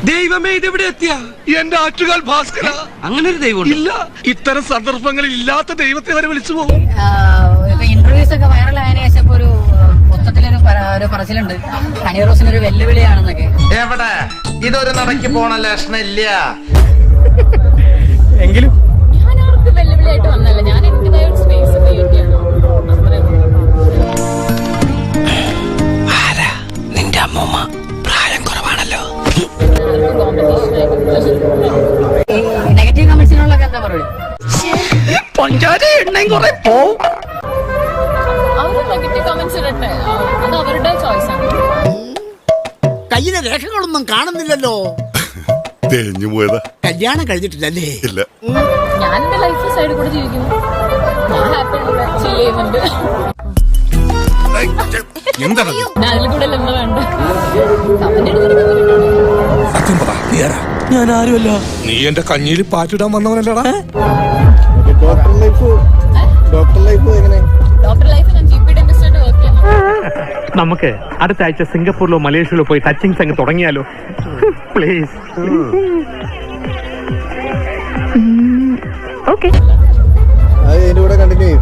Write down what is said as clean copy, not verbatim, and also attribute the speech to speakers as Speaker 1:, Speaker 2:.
Speaker 1: ദൈവമേ ഇതെവിടെ എത്തിയ
Speaker 2: എന്റെ ആറ്റുകാൽ ഭാസ്കര.
Speaker 1: അങ്ങനെ ഒരു ദൈവം
Speaker 2: ഇല്ല, ഇത്തരം സന്ദർഭങ്ങളിൽ ഇല്ലാത്ത ദൈവത്തെ വരെ വിളിച്ചു പോകും.
Speaker 3: ഇന്റർവ്യൂസ് ഒക്കെ വൈറലായതിനു ശേഷം ഒരു മൊത്തത്തിലൊരു പറച്ചിലുണ്ട് ഹണി റോസിനൊരു വെല്ലുവിളിയാണെന്നൊക്കെ.
Speaker 4: എവിടെ ഇതൊരു നടക്ക് പോണ ലക്ഷണം ഇല്ല.
Speaker 5: എങ്കിലും
Speaker 6: ഞാൻ അവർക്ക് വെല്ലുവിളിയായിട്ട് വന്നല്ല, ഞാൻ എന്റേതായ ഒരു സ്പേസ് ക്രിയേറ്റ് ചെയ്യണം.
Speaker 1: നിന്റെ അമ്മൂമ്മ പ്രായം കുറവാണല്ലോ.
Speaker 3: നെഗറ്റീവ് കമന്റ്സിനുള്ളൊക്കെ എന്താ പറയുക?
Speaker 1: പഞ്ചാര എണ്ണയും കുറെ പോവും.
Speaker 6: അവര് നെഗറ്റീവ് കമന്റ്സ് ഇടട്ടെ, അത് അവരുടെ ചോയ്സ് ആണ്.
Speaker 7: കയ്യിലെ രേഖകളൊന്നും കാണുന്നില്ലല്ലോ.
Speaker 8: തേഞ്ഞു പോയതാ.
Speaker 7: കല്യാണം കഴിഞ്ഞിട്ടില്ലല്ലേ?
Speaker 8: ഇല്ല.
Speaker 6: ഞാൻ എന്റെ ലൈഫ് സൈഡിൽ കൂടെ ജീവിക്കുന്നു, ഞാൻ ഹാപ്പി ചിൽ ചെയ്യുന്നുണ്ട്.
Speaker 8: എന്താണ്
Speaker 6: ഞാൻ അതിൽ കൂടെ എന്താ വേണ്ട.
Speaker 2: ഞാൻ ആരുമല്ല. നീ എന്റെ കഞ്ഞിയിൽ പാറ്റിടാൻ വന്നവനല്ലടാ.
Speaker 6: ഡോക്ടർ ലൈഫ് ഞാൻ GP ഡെന്റിസ്റ്റ് ആയിട്ട് വർക്ക് ചെയ്യുന്നു.
Speaker 5: നമുക്ക് അടുത്ത ആഴ്ച സിംഗപ്പൂരിലോ മലേഷ്യയിലോ പോയി ടച്ചിങ്സ് അങ്ങ് തുടങ്ങിയാലോ? പ്ലീസ്.
Speaker 9: അത് ഇതിന്റെ കൂടെ കണ്ടിന്യൂ ചെയ്യും.